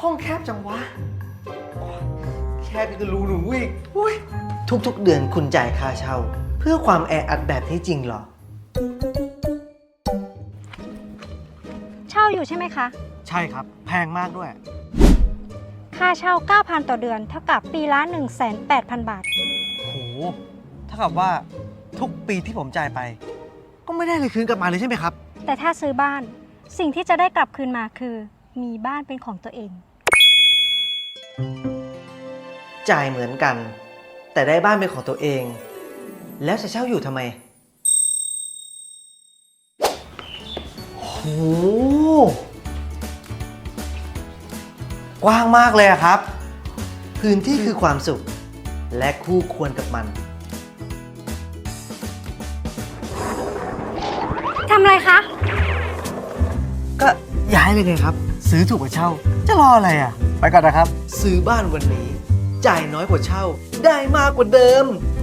ห้องแคบจังวะแคบยังกับรูหนูอีกอุ้ยทุกๆเดือนคุณจ่ายค่าเช่าเพื่อความแออัดแบบนี้จริงเหรอเช่าอยู่ใช่ไหมคะใช่ครับแพงมากด้วยค่าเช่า 9,000 ต่อเดือน เท่ากับปีละ 180,000 บาทโหเท่ากับว่าทุกปีที่ผมจ่ายไป ก็ไม่ได้เลยคืนกลับมาเลยใช่ไหมครับแต่ถ้าซื้อบ้าน สิ่งที่จะได้กลับคืนมาคือ มีบ้านเป็นของตัวเองจ่ายเหมือนกัน แต่ได้บ้านเป็นของตัวเอง แล้วจะเช่าอยู่ทำไมโหกว้างมากเลยอะครับ พื้นที่คือความสุข และคู่ควรกับมันทำอะไรคะก็ย้ายเลยไงครับ ซื้อถูกกว่าเช่า จะรออะไรอ่ะ ไปก่อนนะครับ ซื้อบ้านวันนี้ จ่ายน้อยกว่าเช่า ได้มากกว่าเดิม